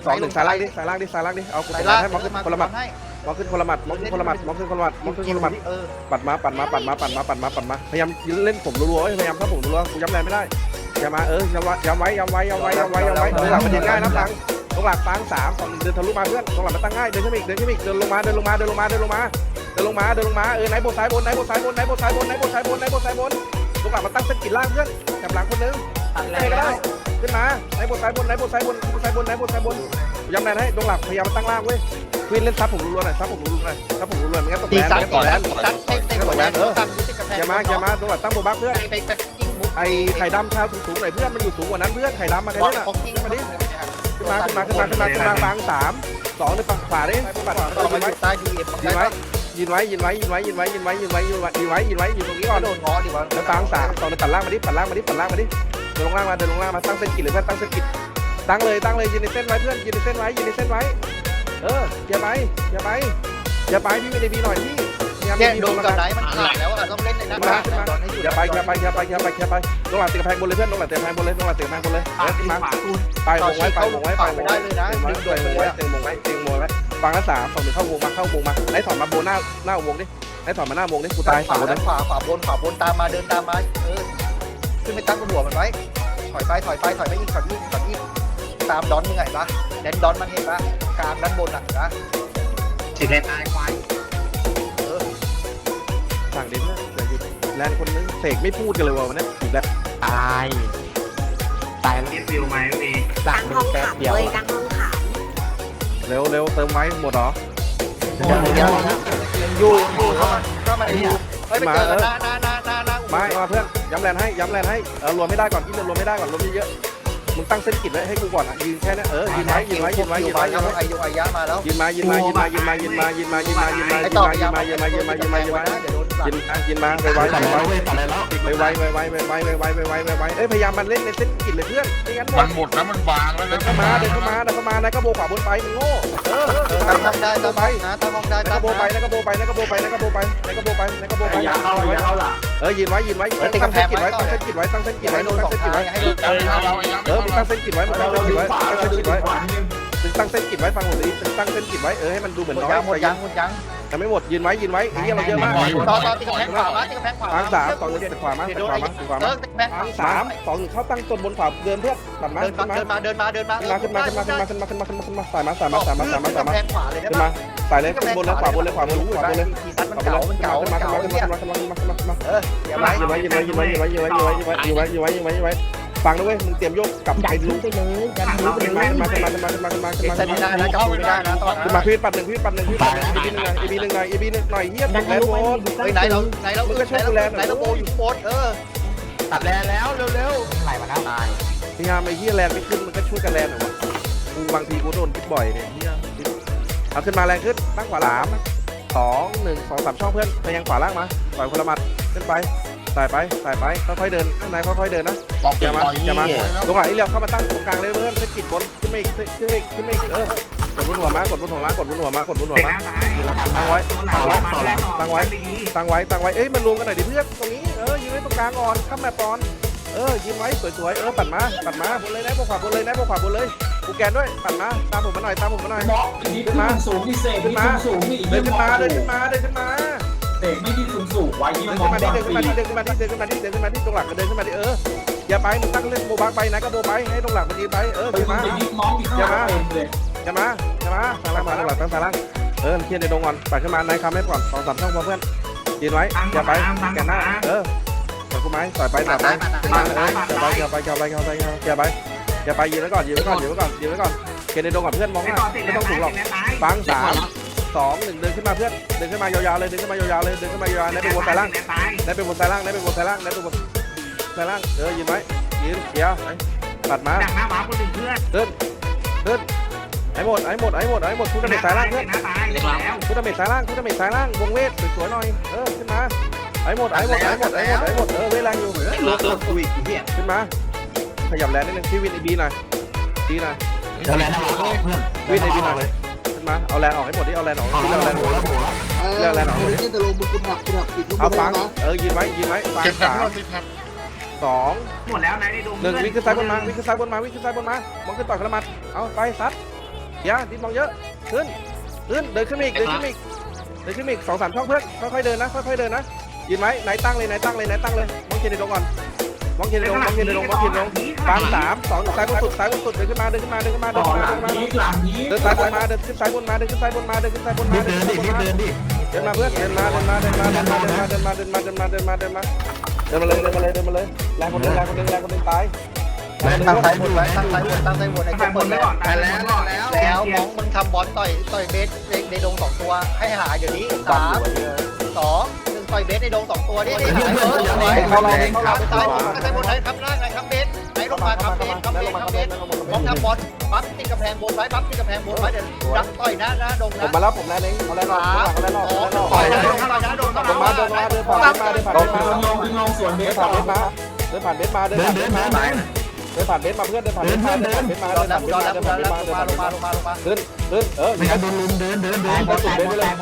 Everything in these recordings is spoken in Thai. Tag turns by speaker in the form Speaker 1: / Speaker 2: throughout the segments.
Speaker 1: สองหนึ่งสายล่างดิสายล่างดิสายล่างดิเอาคนละให้มองขึ้นคนละหมัดมองขึ้นคนละหมัดมองขึ้นคนละหมัดมองขึ้นคนละหมัดมองขึ้นคนละหมัดปัดมาปัดมาปัดมาปัดมาปัดมาปัดมาพยายามเล่นผมรัวๆพยายามถ้าผมรัวกูย้ำแรงไม่ได้อย่ามาย้ำไว้หลังมันเดินง่ายนะฟังตรงหลักฟัง3 2 1เดินทะลุมาเพื่อนตรงหลักมันตั้งง่ายเดินขึ้นอีกเดินลงมาไหนโบซ้ายบนตรงหลักมันตั้งเส้นกินล่างเพื่อนจับหลังคนนึงได้ก็ได้ขึ้นมาไหนโบซ้ายบนย้ำแรงให้ตรงหลักพยายามตั้งล่างเว้ยควินเล่นซับผมรัวๆหน่อยซับผมรัวๆไม่งั้นตกแรงอย่ามาตรงหลักตั้งโบบักเพื่อนไอ้ไข่ดำชาวสูงๆหน่อยเพื่อนมันอยู่สูงกว่านั้นเพื่อนไข่ดำมาใครเล่นอ่ะมาดิขึ้นมาฟัง3 2ในฝั่งขวาดิปัดยืนไว้อยู่ตรงนี้ก่อนแล้วฟัง3 2ในปัดล่างมาดิเดินลงล่างมาตั้งเส้นกิจเลยเพื่อนตั้งเส้นกิจตั้งเลยยืนในเส้นไว้เพื่อนยืนในเส้นไว้อย่าไปพี่มีในบีหน่อยพี่แค่โดนกับไหนมันขาดแล้วอ่ะต้องเล่นในนั้นอย่าไปลงหลังตีกระแพงบนเลยเพื่อนลงหลังตีกระแพงบนเลยขึ้นมาไปวงไว้เตียงวงไว้ฟังละ3 2 1เข้าวงมาไล่ถอนมาโบหน้าวงดิไล่ถอนมาหน้าวงดิกูตายฝั่งบนขวาบนตามมาเดินตามมาขึ้นไปตั้งบนหัวมันไว้ถอยไปอีกตามดอนมึงไงปะแดนดอนมันเห็นปะกลางด้านบนอ่ะนะสิเลนตายควายสั่งดิเนี่ยแลนคนนึงเสกไม่พูดกันเลยวันนี้อีกแล้วตาย
Speaker 2: เรียกวิวไหมมี
Speaker 3: ตั้งห้องขับเลยตั้งห้องขับ
Speaker 1: เร็วเติมไว้หมดหรอ
Speaker 4: อยู่ก็มาอยู่ไม่เจอหน้า
Speaker 1: มาเพื่อนย้ำแลนให้รวมไม่ได้ก่อนที่รวมไม่ได้ก่อนรวมเยอะมึงตั้งเส้นกิจไว้ให้กูก่อนอ่ะยืนแค่นั้นยืนไว้ไอ้ยามาแล้วยืนมาไอ้ต่อยามายืนมาไวเอ้ยพยายามมันเล่นในเส้นกิจเลยเพื่อนไม่งั้น
Speaker 2: มันหมดแล้วมันบางแล้วนะ
Speaker 1: เดินเข้ามานายก็โบขวาบนไปมึงโง่
Speaker 4: ตั้งห้องได้ตั้งไปนะตั้งห้องได้
Speaker 1: นายก็โบไปยืนไว้ตั้งเส้นกิจไว้ตั้งเส้นกิจไว้ตั้งเส้นกิจไว้มึงตั้งเส้นกิจไว้ตั้งเส้นกิจไว้ฟังผมดิตั้งเส้นกิจไว้ให้มันดูเหมือนน้อย
Speaker 4: หมดยัง
Speaker 1: แต่ไม่หมดยืนไว้ไอ้เหี้ยเราเยอะมาก
Speaker 4: ต่อตีกระแพงขวา
Speaker 1: ฟัง3 2 1ขวามาฟัง3 2 1เข้าตั้งต้นบนขวาเดินเพื่อนตัดมา
Speaker 4: เดินมา
Speaker 1: ขึ้นมาสายมาขึ้นมาสายเลยขึ้นบนแล้วขวาบนเลย
Speaker 4: ทีซัดมันเก่าขึ้นมา
Speaker 1: ยืนไว้ฟังนะเว้ยมึงเตรียมโยกกับไอ้ลูก
Speaker 3: ไปเลยดันรู้ไปเลย
Speaker 1: มา
Speaker 4: ไม่ได้นะจับไม่ได้นะตอน
Speaker 1: ขึ้นมาพี่ปัดหนึ่งอีบีหนึ่งหน่อยเฮียตัดแล้วโบ
Speaker 4: ไหนเราโบอยู่โบ
Speaker 2: ตัดแล้วเร็ว
Speaker 4: ไหลมาแล้วตาย
Speaker 1: พยายามไอ้เฮียแลนไม่ขึ้นมันก็ช่วยกันแลนหน่อยวะกูบางทีกูโดนคิดบ่อยเนี่ยเฮียเอาขึ้นมาแรงขึ้นตั้งขวา3 2 1 2 3ช่องเพื่อนพยายามขวาล่างมาปล่อยคนละมัดขึ้นไปสายไปค่อยๆเดินข้างในค่อยๆเดินนะอย่ามาตรงไหนเรียวเข้ามาตั้งตรงกลางเลยเพื่อนเส้นกิจบนขึ้นไม่กดบนหัวมากดบนหัวมาตั้งไว้เอ้ยมันรวมกันหน่อยดิเพื่อนตรงนี้ยืนไว้ตรงกลางก่อนข้ามแมปก่อนยืนไว้สวยๆปัดมาบนเลยนะบนขวาบนเลยกูแกนด้วยปัดมาตามผมมาหน่อยขึ้นมา
Speaker 5: สูงที่เสกขึ้นมาสูงที่อีก
Speaker 1: เดินขึ้นมาเส
Speaker 5: กไม่ที่สูงไว้ที่มัน
Speaker 1: เดินขึ้นมาที่ตรงหลักเดินขึ้นมาที่อย่าไปมึงตั้งเล่นโบบักไปนะก็โบไปให้ตรงหลักมันดีไปขึ้นมาอย่ามาสายล่างมาตรงหลักตั้งสายล่างเคลียร์ในดงก่อนปัดขึ้นมานายคำให้ก่อน2 3ช่องพอเพื่อนยืนไว้อย่าไปแกนหน้าต่อยกูไม้ต่อยไปอย่าไปยืนไว้ก่อนเคลียร์ในดงก่อนเพื่อนมองหน้าไม่ต้องสูงหรอกฟัง3 2 1เดินขึ้นมาเพื่อนเดินขึ้นมายาวๆเลยได้เป็นวนสายล่างยืนไว้เดี๋ยวตัดมา
Speaker 2: จากหน้าหมาคนหนึ่งเพื่อน
Speaker 1: เดินไอ้หมดทุกดาเมจสายล่างเพื่อนทุกดาเมจสายล่างวงเวทสวยๆหน่อยขึ้นมาไอ้หมดเวทแรงอยู่ขึ้นมาขยับแรงนิดนึงพี่วินไอบีหน่อยดีหน่อยวินไอบีหน่อยมาเอาแรงออกให้หมดที่เอาแรงออกเอาฟังยืนไว้ฟัง3 2
Speaker 2: หมดแล้วนายได้ดู
Speaker 1: 1วิ่งขึ้นซ้ายบนมามองขึ้นต่อยกระมัดเอาไปซัดอย่าดินมองเยอะขึ้นเดินขึ้นมาอีกเดินขึ้นมาอีก2-3 ช่องเพื่อนค่อยๆเดินนะค่อยๆเดินนะยืนไหมไหนตั้งเลยมองเคนในดงก่อนมองเคนในดงฟัง3-2ซ้ายบนสุดเดินขึ้นมา
Speaker 5: หลังนี้
Speaker 1: เดินซ้ายมาเดินขึ้นซ้ายบนมาเดินขึ้นซ้ายบนมาเดินมาเพื่อนเดินมาเลยแรงคนหนึ่งตาย
Speaker 4: ตั้งซ้ายบนไว้ตั้งซ้ายบนไอ้เปิดแล้วมองมึงทำบอลต่อยเบสในดง2ตัวให้หาเดี๋ยวนี้3 2 1ต่อยเบสในดง2ตัวนี่เข้าซ้ายบนไหนครับล่างไหนครับเบสไหนลงมาครับเบสมองทำบอลปั๊บติดกำแพงบนไว้เดี๋ยวรับต่อยหน้าดง
Speaker 1: ผม
Speaker 4: นะ
Speaker 1: มาแล้วผมแรงเองเอาแรงออก
Speaker 4: ต่อยหน้าดง
Speaker 1: ผมมาเดินผ่านเดินผ่านเดินผ่าน
Speaker 5: ลงส่วนเบส
Speaker 1: เบสมาเดินผ่านเบสมาเพื่อนเดินผ่านเบสมาขึ้นอยู่จุดเบสเลยอยู่จุดเบสเลย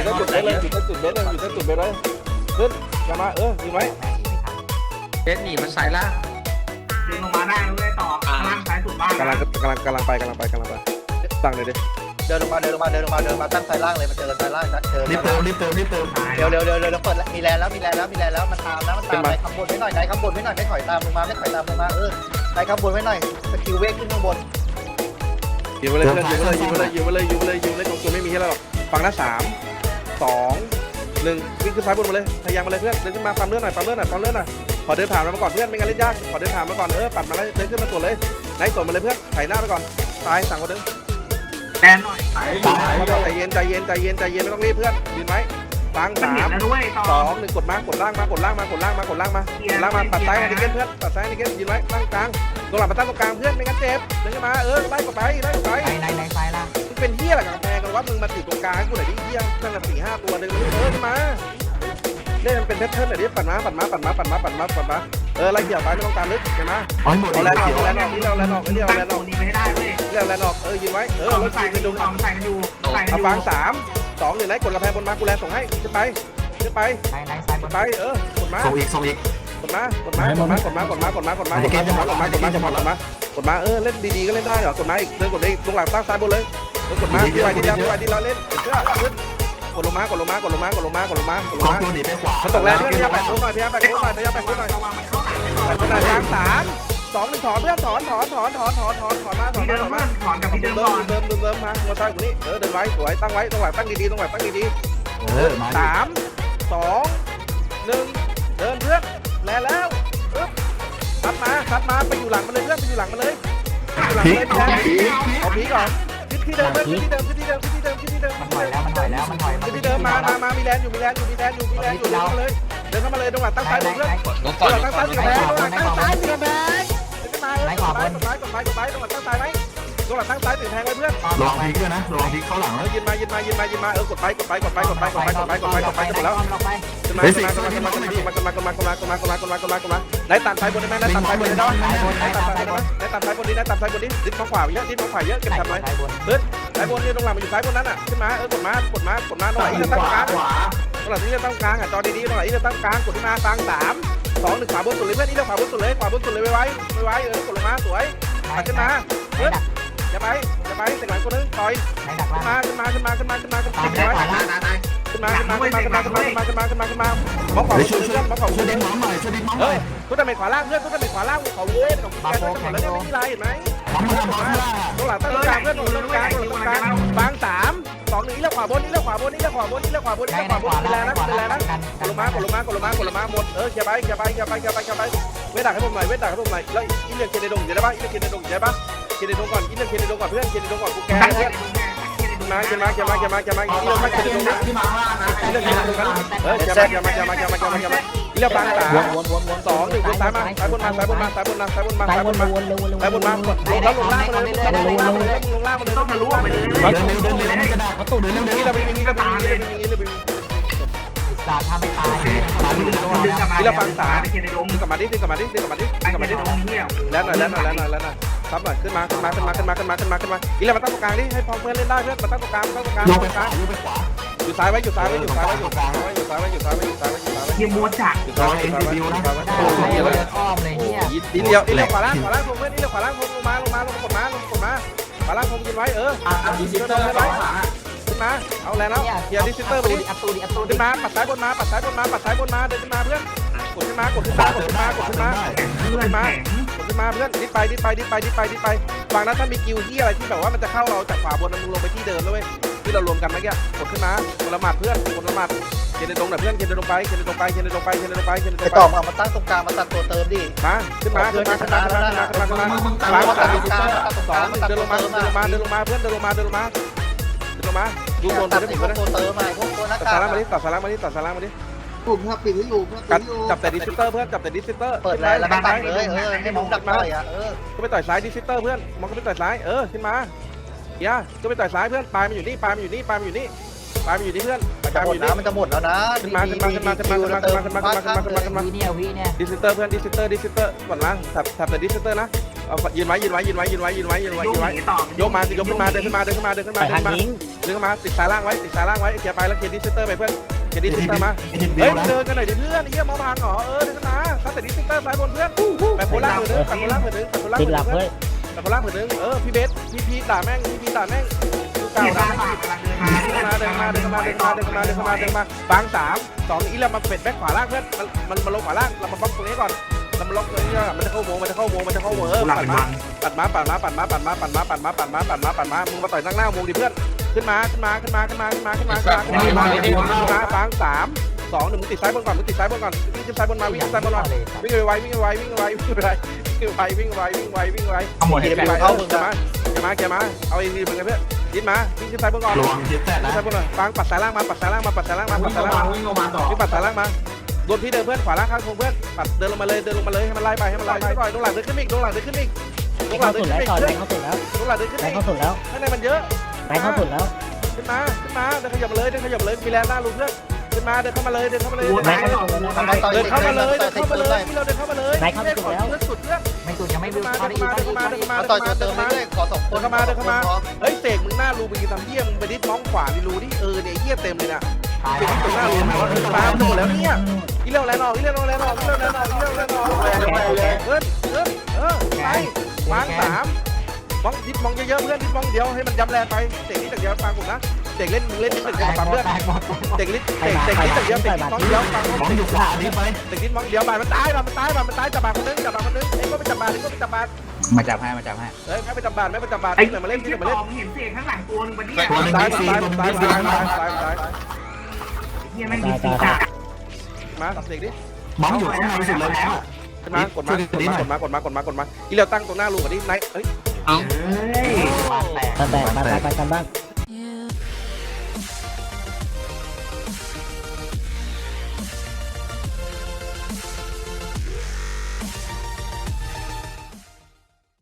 Speaker 1: ขึ้นจะมาอยู่ไหม
Speaker 2: เบสหนีมันสายล่าง
Speaker 6: ดึงลงมาได้ด้วยต่อล่างซ้ายสุดบ้าน
Speaker 1: กำลังไปสั่งเลยดิ
Speaker 4: เดินลงมาตั้งซ้ายล่างเลยมาเจอซ้ายล่างนะเจอ
Speaker 2: รีบเติม
Speaker 4: เร็วเปิดมีแลนแล้วมันตามไหนคำบนไว้หน่อยไม่ถอยตามลงมาไหนคำบนไว้หน่อยสกิลเวกขึ้นข้างบน
Speaker 1: อยู่มาเลยตรงตัวไม่มีให้เราหรอกฟังนะ3-2-1วิ่งขึ้นซ้ายบนมาเลยพยายามมาเลยเพื่อนเดินขึ้นมาปั๊มเลือดหน่อยขอเดินผ่านมาก่อนเพื่อนไม่งั้นเล่นยากขอเดินผ่านมาก่อนปัดมาแล้วเดินขึ้นมาตัวเลยไหนตัวมาเลยเพื่อนไถหน้าไปก่อนตายสั่งคนนึง
Speaker 6: แดนหน่อย
Speaker 1: ใจเย็นไม่ต้องรีบเพื่อนยืนไหมฟัง
Speaker 6: มันเห็นแล้วด้วยต่อ
Speaker 1: 3-2-1กดล่างมาปัดซ้ายนิเกนเพื่อนปัดซ้ายนิเกนยืนไว้ตั้งกลางตัวหลังมาตั้งตรงกลางเพื่อนไม่งั้นเจ็บเดินขึ้นมาไล่กดไปไหนซ้ายล่ะมึงเป็นเหี้ยอะไรกับแพงกันว่ามึงมาถือตรงกลางกูหน่อยดิเหี้ยนั่งกัน4-5ตัวเดินขึ้นมาเล่นมันเป็นแพทเทิร์นหน่อยดิปัดมาไล่เกี่ยวไปไม่ต้องการลึกเห็นไหมเอาแรงออกนี่เราแรงออก
Speaker 6: นี้ไม่ได้เว้ย
Speaker 1: เรียกแรงออกยืนไว้รถ
Speaker 6: ใส่
Speaker 1: จีน
Speaker 6: กัน
Speaker 1: ไป
Speaker 6: อ
Speaker 1: ดู
Speaker 6: ยู่ใส่กันอยู่
Speaker 1: เอาฟัง3-2-1ไหนกดกระแพงบนมากูแรงส่งให้ขึ้นไปกดมากดมาเล่นดีๆก็เล่นได้เหรอกดมาอีกเดินกดอีกตรงหลังตั้งซ้ายบนเลยกดมาดีเราเล่นเชื่อขึ้นกดลงมามันตกแรงเพื่อนพยายามแบกโค้งหน่อยทาง3-2-1ถอนเพื่อนถอนมา
Speaker 6: ที่เดิมมันถอนกับที่เดิมก่อน
Speaker 1: เดิมมาหัวใจกูนี่เดินไว้สวยตั้งไว้ตรงหลังตั้งดีๆ3-2-1เดินเพื่อนแล้วคัดมาไปอยู่หลังมันเลยเพื่อนไปอยู่หลังมันเลยเอาพีก่อนที่เดิมมันถอยแล้วมามีแลนอยู่เลยเดินเข้ามาเลยตรงหลังตั้งซ้ายเพื่อนตั้งซ้ายกดไปตรงหลังตั้งซ้ายไหมตรงหลังตั้งซ้ายถึงแทงเลยเพื่อน
Speaker 2: ลองพลิกด้วยนะลองพลิกเข้าหลังแล้ว
Speaker 1: ยืนมากดไปจะหมดแล้วมาไหนตัดซ้ายบนได้ไหมไหนตัดซ้ายบนได้ดิ้นขวาเยอะเก็บทำไว้ซ้ายบนนี่ตรงหลังมันอยู่ซ้ายบนนั้นอ่ะขึ้นมากดมาตรงไหนอีกตั้งกลางตรงไหนที่จะตั้งกลางอ่ะจอดีๆตรงไหนที่จะตั้งกลางกดขึ้นมาฟัง3-2-1ขวาบนสุดเลยเพื่อนนี่เราขวาบนสุดเลยไว้กดลงมาสวยตัดขึ้นมาเพื่อนอย่าไปเสกหลังคนนึงต่อยขึ้นมาขึ้นมาขึ้นมาขึ้นมาขึ้นมาขึ้นมาขึ้นมาขึ้นมาขึ้นมาบอกขอช่วยดึงน้องหน่อยทุกตะเมฆขวาล่างเพื่อนทุกตะเมฆขวาล่างเขาเว้ยของแกทั้งหมดแล้วเนี่ยไม่มีไรเห็นไหมตรงหลังตั้งกลางเพื่อนตรงกลางบาง3-2-1นี่แล้วขวาบนนี่แล้วขวาบนเป็นแรงนะกดลงมาหมดเกี่ยวไปเวทดักให้ผมหน่อยแล้วอินเดียเคนเดดงเดี๋ยวได้ปะอินเดียเคนเดดงเคนเดดงก่อนอินเดียเคนเดดงก่อนเพื่อนเคนเดดงก่อนกูแกเพื่อนมาอินเดียมาเคนเดดงนะ
Speaker 5: ที่มาล่างนะ
Speaker 1: อินเดียเคนเดดงกันอินเดียฟัง3-2-1วนซ้ายมาซ้ายบนมาแล้วลงล่างมาเลย
Speaker 6: ต้องทะลุไปเลย
Speaker 2: กระดาษประตูเดินเร็ว
Speaker 1: นี่เราเป็นนี่เราเป็นนี่เราฟัง3กลับมาดิแล้วหน่อยครับหน่อยขึ้นมาอีแล้วมาตั้งตรงกลางดิให้พอเพื่อนเล่นได้เพื่อนมาตั้งตรงกลางอยู่ซ้ายไว้อยู่ซ้ายไว้
Speaker 6: ยิงมัวจัด
Speaker 1: อยู่ซ้ายไว้ดีเดียวอีเลี้ยวขวาล่างพงเพื่อนอีเลี้ยวขวาล่างพงลงมากดมาขวาล่างผมยืนไว้
Speaker 5: ดิจิตอลแล้วหลัง
Speaker 1: ขึ้นมาเอาแล้วเกียร์ดิสซิเตอร์ไปดิ
Speaker 3: อัตตูดิอัตตูดิ
Speaker 1: ขึ้นมาปัดซ้ายบนมาปัดซ้ายบนมาปัดซ้ายบนมาเดินขึ้นมาเพื่อนกดขึ้นมากดขึ้นมากดขึ้นมากดขึ้นมา
Speaker 6: เพื่อนแข็ง
Speaker 1: กดขึ้นมาเพื่อนดิไปฟังนะถ้ามีกิวที่อะไรที่แบบว่ามันจะเข้าเราจากขวาบนมึงลงไปที่เดิมด้วยที่เรารวมกันเมื่อกี้กดขึ้นมาคนละหมัดเพื่อนคนละหมัดเคนตรงหน่อยเพื่อนเคนตรงไป
Speaker 4: ไอ้ต่อมามาตั้งตรงกลางมาตัดตัวเติมดิ
Speaker 1: มาขึ้นมาล้างตัดสองเดินลงมาเพื่อนเดินลงมาดูบน
Speaker 4: ตั
Speaker 1: ไป
Speaker 4: ด
Speaker 1: ได้
Speaker 4: ที่
Speaker 1: หม
Speaker 4: พว
Speaker 1: ด
Speaker 4: ก
Speaker 1: นะ
Speaker 4: ตัวเติมมาพวกตัวหน้า
Speaker 1: ตัด
Speaker 4: กา
Speaker 1: สาก ล่างมาดิตัดสาล่างมาดิ
Speaker 7: ผมถ้าปิดให้อยู่
Speaker 1: จับแต่ดิสซิเตอร์เพื่อนจับแต่ดิสซิเตอร์
Speaker 4: เปิดแล้วแล้วก็ตัดเลยให้มองดักต่อย
Speaker 1: ก็ไปต่อยซ้ายดิสซิเตอร์เพื่อนมองก็ไปต่อยซ้ายขึ้นมาเฮียก็ไปต่อยซ้ายเพื่อนปลายมันอยู่นี่เพื่อน
Speaker 4: จะหมดนะมันจะหมดแล้วนะ
Speaker 1: ขึ้นมาดิสซิเตอร์เพื่อนดิสซิเตอร์ก่อนนะจับแต่ดิสซิเตอร์นะยืนไว้ยกมาขึ้นมาเดินขึ้นมาติดสายล่างไว้เคลียร์ไปแล้วเคลียร์ดิสซิเตอร์ไปเพื่อนเคลียร์ดิสซิเตอร์มาเฮ้ยเดินกันหน่อยดิเพื่อนเฮียมองพังเหรอเดินขึ้นมาถ้าแต่ดิสซิเตอร์ซ้ายบนเพื่อนแบบโคล่าเผือนึงพี่เบสพี่ด่าแม่งเก่า
Speaker 6: เกียร์
Speaker 1: ด่า
Speaker 6: บ้านกำลังเดินมา
Speaker 1: เดินมาบาง3 2อีแล้วมาเป็ดแบ็คขวาล่างเพื่อนมันมาลงขวาล่างเรามาบล็อกตรงนี้ก่อนเรามาล็อกตรงนี้มันจะเข้าโมปัดมามึงมาต่อยหน้าวงดิเพื่อนขึ้นมาบาง3 2 1มึงติดซ้ายบนก่อนวิ่งขึ้นซ้ายบนมาวิ่งไว
Speaker 2: ขโมย
Speaker 1: เกียร์ไปมาเอาอีกทีมึงกันเพื่อนดิ้นมาวิ่งขึ้นซ้ายบนก่อน
Speaker 2: ระวังทิศแตก
Speaker 1: ขึ้น
Speaker 2: นะ
Speaker 1: ซ้ายบนหน่อยฟังปัดสายล่างมา
Speaker 5: วิ่งลงมาต่อ
Speaker 1: ปัดสายล่างมาโดนพี่เดินเพื่อนขวาล่างข้างเพื่อนปัดเดินลงมาเลยให้มันไล่ไปก่อนตรงหลังเดินขึ้นอีกข้างในมันเยอะขึ้นมาเดินขยับมาเลยมีแรงหน้าลูกเพื่อนขึ้นมาเดินเข้ามาเลยที่เราเดินเข้ามาเลยสุดเพื่อน
Speaker 3: ไม่สุดยังไม่ดู
Speaker 1: มา
Speaker 4: ต่อยตัวเติมเรื่อยขอ2คน
Speaker 1: เฮ้ยเสกมึงหน้ารูมึงทำเยี่ยมมึงไปดิท้องขวาดิรูดิเนี่ยเยี่ยเต็มเลยนะเป็นที่ตรงหน้ารูมาหมดแล้วเนี่ยอีเลี้ยวแรงออกไปวาง3 มองดิบมองเยอะๆเพื่อนดิบมองเดียวให้มันย้ำแรงไปเตะนิดเดียวฟังผมนะเตะเล่นนิดเดียวฟังเพื่อนเตะนิดเดียวมองเดียวฟังผม
Speaker 2: มองอยู่ขวานี่ไป
Speaker 1: เตะนิดมองเดียวบาดมันตายจับบาดคนนึงไอ้ก็ไปจับบาด
Speaker 2: มาจับให้
Speaker 1: ไม่ไปจับบาด
Speaker 6: ไอ้
Speaker 1: ที่ไหนมาเล่น
Speaker 6: ที่เห็นเสียข้างหลังตัวนึงปะเนี่ย
Speaker 1: ซ้าย
Speaker 6: เฮียไม่มีสีจ่า
Speaker 1: มาเตะดิ
Speaker 2: มองอยู่ข้างในสุดเลยแล้ว
Speaker 1: ขึ้นมากดมาอีเลี้ยวตั้งตรงหน้ารูก่อนดิไหนเฮ้ย
Speaker 6: เฮ้ย
Speaker 3: ไปกันบ้าง